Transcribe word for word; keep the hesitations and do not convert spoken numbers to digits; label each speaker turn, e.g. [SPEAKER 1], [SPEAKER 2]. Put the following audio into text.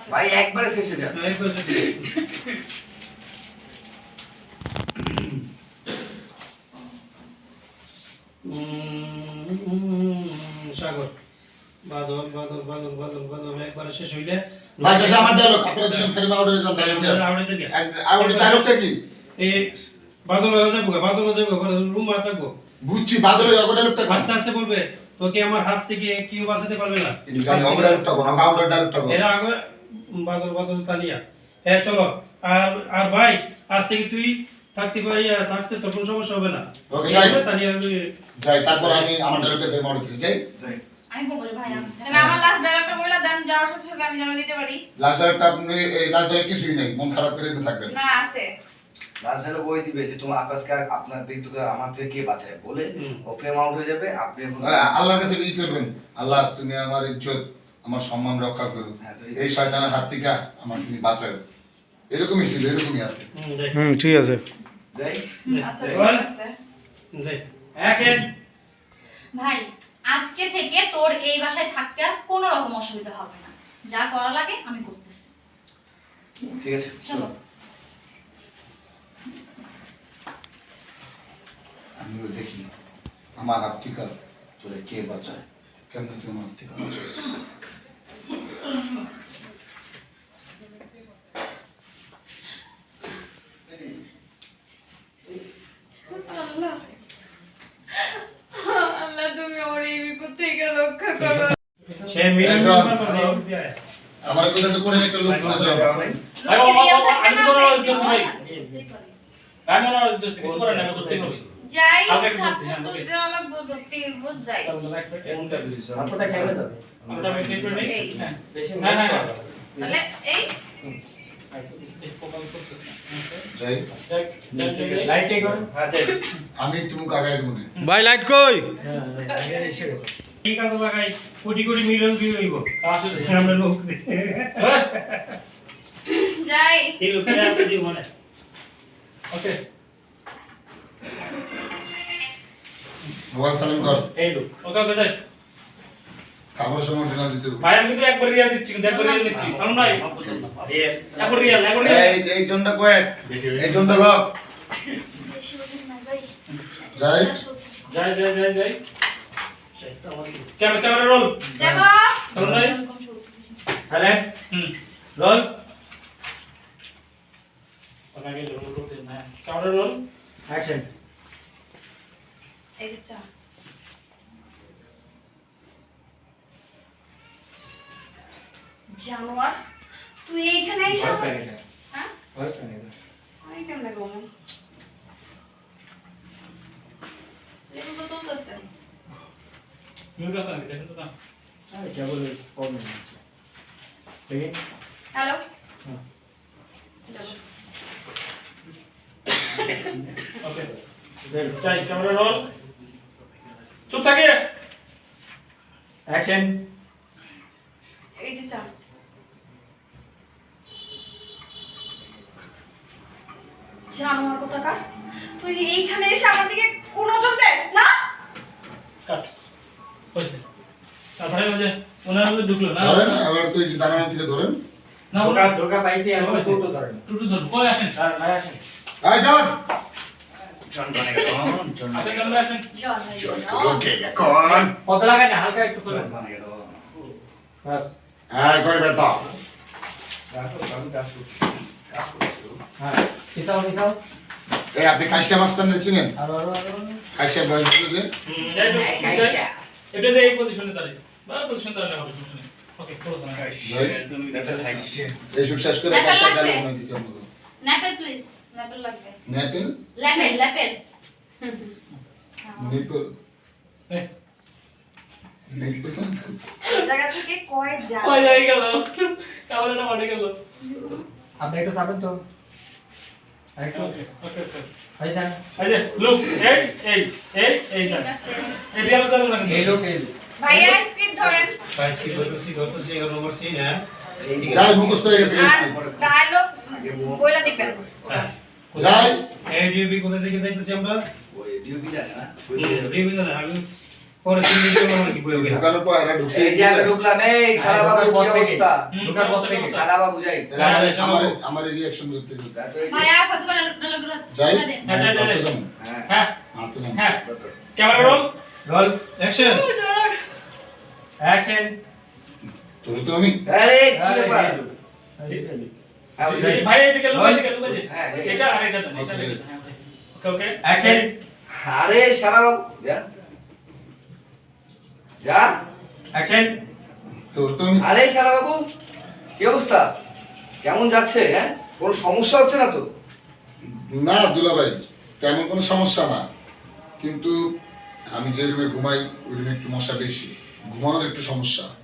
[SPEAKER 1] আছে
[SPEAKER 2] ভাই একবারে শেষে যান
[SPEAKER 3] একবারে শেষে সাগর বাদল বাদল বাদল বাদল বাদল একবারে শেষ হইলে
[SPEAKER 4] ভাই শেষে আমার ডায়লগ আপনারা দুজন ফের আউট হয়ে যান ডায়লগ দেন
[SPEAKER 3] আউট হয়ে যান
[SPEAKER 4] আউট ডায়লগটা কি
[SPEAKER 3] এই বাদল হয়ে যাবো বাদল হয়ে যাবো রুম মা থাকবো
[SPEAKER 4] বুঝছি বাদলের আউট ডায়লগটা
[SPEAKER 3] আস্তে আস্তে বলবে তোকে আমার হাত থেকে কেউ বাঁচাতে পারবে না
[SPEAKER 4] এটা জানি আউট ডায়লগটা কোন আউট ডায়লগটা কোন
[SPEAKER 3] এর আগে বাদল বাদল তালিয়া হ্যাঁ চলো আর আর ভাই আজ থেকে তুই থাকতে পারি থাকতে তোর কোনো সমস্যা হবে না
[SPEAKER 4] ওকে যাই
[SPEAKER 3] তালিয়া
[SPEAKER 4] যাই তারপর আমি আমার ডায়লগটা ফের আউট দিই যাই
[SPEAKER 1] আমি বলবো ভাই আজ তাহলে আমার লাস্ট ডায়লগটা বইলা দেন যাওয়ার সাথে সাথে আমি জানা দিতে পারি
[SPEAKER 4] লাস্ট ডায়লগটা আপনি এই লাস্ট ডায়লগ কিছুই নেই মন খারাপ করে থাকবেন
[SPEAKER 1] না আছে
[SPEAKER 2] লাস্টে বই দিবে যে তোমার আকাশকে আপনার দিক থেকে আমার থেকে কে বাঁচায় বলে ও ফ্রেম আউট হয়ে যাবে আপনি
[SPEAKER 4] আল্লাহর কাছে কি করবেন আল্লাহ তুমি আমার ইজ্জত আমার সম্মান রক্ষা করো এই শয়তানের হাত থেকে আমার তুমি বাঁচাও এরকমই ছিল এরকমই আছে
[SPEAKER 5] হুম ঠিক আছে
[SPEAKER 2] যাই
[SPEAKER 1] আচ্ছা ঠিক আছে
[SPEAKER 3] যাই অ্যাকশন
[SPEAKER 6] ভাই আজকে থেকে তোর এই বাসায় থাকতে আর কোনো রকম অসুবিধা হবে না যা করা লাগে আমি করতেছি
[SPEAKER 2] ঠিক আছে চলো
[SPEAKER 4] আমিও দেখি আমার হাত থেকে তোরে কে বাঁচায় কেমন তুই আমার হাত থেকে বাঁচাস
[SPEAKER 1] আল্লাহ আল্লাহ তুমি আমার এই বিপদ থেকে রক্ষা করো
[SPEAKER 3] সে মিলে মিলে
[SPEAKER 4] আমার কোথা থেকে করে একটা লোক তুলে যাও
[SPEAKER 6] লোকে রিয়া থাকবে না,
[SPEAKER 7] ভাই আমি না দোস্ত কিছু করে না আমি করতে হবে
[SPEAKER 1] যাই
[SPEAKER 7] কালকে একটু বলছি, হ্যাঁ,
[SPEAKER 1] তো
[SPEAKER 7] ওকে।
[SPEAKER 1] দেওয়ালা বলতে বুঝ যাই
[SPEAKER 2] কোনটা দিছ
[SPEAKER 3] আপনারা খেলে যাবে
[SPEAKER 7] আমরা আমি ঠিক করে নেই
[SPEAKER 1] এই।
[SPEAKER 7] হ্যাঁ
[SPEAKER 2] বেশি
[SPEAKER 7] হ্যাঁ হ্যাঁ হ্যাঁ
[SPEAKER 1] তাহলে এই
[SPEAKER 4] যাই
[SPEAKER 2] লাইট টেক করো হ্যাঁ যাই
[SPEAKER 4] আমি একটু মুখ আগায় দেবো না
[SPEAKER 5] ভাই লাইট কই
[SPEAKER 3] ঠিক আছে লাগাই কোটি কোটি মিলিয়ন ভিউ হইব
[SPEAKER 7] আসলে
[SPEAKER 3] আমরা লোক
[SPEAKER 1] যাই
[SPEAKER 3] এই লোকের আছে জীবনে
[SPEAKER 7] ওকে
[SPEAKER 4] মোবাইল সালাম কর
[SPEAKER 7] এই লোক ওকে ওকে যাই
[SPEAKER 4] খাবার সময় শোনা দিতে হবে।
[SPEAKER 7] ভাই আমি কিন্তু একবার রিয়াল দিচ্ছি কিন্তু একবার রিয়াল দিচ্ছি সালাম ভাই একবার রিয়াল একবার রিয়াল
[SPEAKER 4] এই এই জনটা কয়েক এই জনটা লক যাই
[SPEAKER 7] যাই যাই যাই যাই ক্যামেরা ক্যামেরা রোল
[SPEAKER 1] যাবো
[SPEAKER 7] সালাম ভাই
[SPEAKER 2] তাহলে
[SPEAKER 7] হুম
[SPEAKER 2] রোল
[SPEAKER 7] ওকে আগে রোল করতে না ক্যামেরা রোল
[SPEAKER 2] অ্যাকশন
[SPEAKER 1] এই যে চা জানোয়ার তুই এইখানে এসে
[SPEAKER 2] ভয়েস প্যাকেট
[SPEAKER 1] হ্যাঁ
[SPEAKER 2] ভয়েস প্যাকেট
[SPEAKER 1] আমি কেমনে গমু এগুলো তো চলতেছে
[SPEAKER 7] মিউট আছে নাকি দেখেন তো না
[SPEAKER 2] আরে क्या बोले प्रॉब्लम হচ্ছে ঠিক আছে
[SPEAKER 1] হ্যালো
[SPEAKER 7] ওকে যাই ক্যামেরা রোল চুপ থাকে
[SPEAKER 2] অ্যাকশন
[SPEAKER 1] এই যে চা জানোয়ার কোথাকার তুই এইখানে এসে আমার দিকে কোন নজর দেস না
[SPEAKER 7] কাট হয়েছে তারপরে ওই যে ওনার মধ্যে ঢুকলো না
[SPEAKER 4] ধরেন আবার তুই দাঁড়ানো থেকে ধরেন
[SPEAKER 7] না
[SPEAKER 2] ধোকা
[SPEAKER 7] ওটা
[SPEAKER 2] ধোকা পাইছি এখন টুটু ধরেন
[SPEAKER 7] টুটু ধর কই আসেন
[SPEAKER 2] স্যার ভাই আসেন
[SPEAKER 4] এই জন
[SPEAKER 2] জন বনে গেল জন
[SPEAKER 7] আপনি ক্যামেরা আসেন
[SPEAKER 1] জন ভাই, জন।
[SPEAKER 4] ওকে এখন
[SPEAKER 2] কত লাগা না হালকা একটু করে
[SPEAKER 4] জন।
[SPEAKER 2] বনে গেল বাস
[SPEAKER 4] হ্যাঁ করে বেটা
[SPEAKER 2] হ্যাঁ পিছাও পিছাও
[SPEAKER 4] এই আপনি কাশিয়া মাস্তান চিনেন
[SPEAKER 2] আরো আরো আরো
[SPEAKER 4] কাশিয়া বয়স ছিল যে
[SPEAKER 7] হুম যাই তো
[SPEAKER 1] কাইসা।
[SPEAKER 7] এটা যে এই পজিশনে দাঁড়াই বা পজিশনে দাঁড়ালে হবে সমস্যা নেই ওকে চলো না
[SPEAKER 2] তুমি দেখো হাইছে
[SPEAKER 4] এই সুখ শেষ করে
[SPEAKER 1] ন্যাপেল
[SPEAKER 4] কাশিয়া
[SPEAKER 1] লাগবে?
[SPEAKER 4] ডালে বানাই দিছি আপনাকে
[SPEAKER 6] ন্যাপেল প্লিজ ন্যাপেল লাগবে
[SPEAKER 4] নেপেল
[SPEAKER 6] ল্যাপেল ল্যাপেল
[SPEAKER 4] নেপেল
[SPEAKER 7] এই
[SPEAKER 4] নেপেল
[SPEAKER 1] জায়গা থেকে কয় যা
[SPEAKER 7] ওই যাই গেল ক্যামেরাটা মাঠে গেল
[SPEAKER 2] আপনি একটু চাপেন তো আরেকটু
[SPEAKER 7] ওকে ওকে ওকে
[SPEAKER 2] হইছে
[SPEAKER 7] এই যে লুক এই এই এই এই
[SPEAKER 6] ঠিক আছে
[SPEAKER 7] এই রিয়াল চালু না
[SPEAKER 2] এই লোক এই লোক
[SPEAKER 1] ভাইয়া স্ক্রিপ্ট ধরেন
[SPEAKER 3] বাইশ কি বলতেছি বলতেছি এগারো নম্বর সিন হ্যাঁ
[SPEAKER 4] যাই মুখস্থ হয়ে গেছে
[SPEAKER 1] আর ডায়লগ বইলা দিবেন
[SPEAKER 3] হ্যাঁ
[SPEAKER 4] যাই
[SPEAKER 3] এই ডিউবি কোথা থেকে যাইতেছি আমরা
[SPEAKER 2] ওই ডিউপি জানে না
[SPEAKER 3] ডিউবি জানে আমি পরে তুমি কি করবে কি বইবে
[SPEAKER 4] ঢুকানোর পর এরা ঢুকছে
[SPEAKER 2] এই যে আমি ঢুকলাম, এই শালা বাবু কি অবস্থা?
[SPEAKER 7] হুম,
[SPEAKER 5] ঢোকার পর থেকে।
[SPEAKER 2] শালা বাবু যাই।
[SPEAKER 4] তাহলে আমার আমার আমার রিঅ্যাকশন করতে হবে।
[SPEAKER 6] ভাই আর ফসল বানানো না
[SPEAKER 4] যাই
[SPEAKER 6] দেন
[SPEAKER 7] হ্যাঁ, যাই, যাই, যাই।
[SPEAKER 4] যাবো।
[SPEAKER 2] হ্যাঁ।
[SPEAKER 7] হ্যাঁ
[SPEAKER 4] মারতে যাবো।
[SPEAKER 7] হ্যাঁ camera roll
[SPEAKER 5] roll
[SPEAKER 3] action
[SPEAKER 5] action
[SPEAKER 4] তোর তো আমি
[SPEAKER 2] আরে কি ব্যাপার? হ্যাঁ, ওই যে।
[SPEAKER 7] ভাই এদিকে লো এদিকে লো এই যে।
[SPEAKER 2] হ্যাঁ, এই যে।
[SPEAKER 7] এটা আর এটা দেন এটা দেন ওকে ওকে
[SPEAKER 5] অ্যাকশন
[SPEAKER 2] আরে শালা বাবু যা যা।
[SPEAKER 5] অ্যাকশন
[SPEAKER 4] তোর তো আমি
[SPEAKER 2] আরে শালা বাবু কি অবস্থা? কেমন যাচ্ছে? হ্যাঁ, কোনো সমস্যা হচ্ছে না তো?
[SPEAKER 4] না দুলাভাই, তেমন কোনো সমস্যা না, কিন্তু আমি যে রুমে ঘুমাই ওই রুমে একটু মশা বেশি, ঘুমানোর একটু সমস্যা।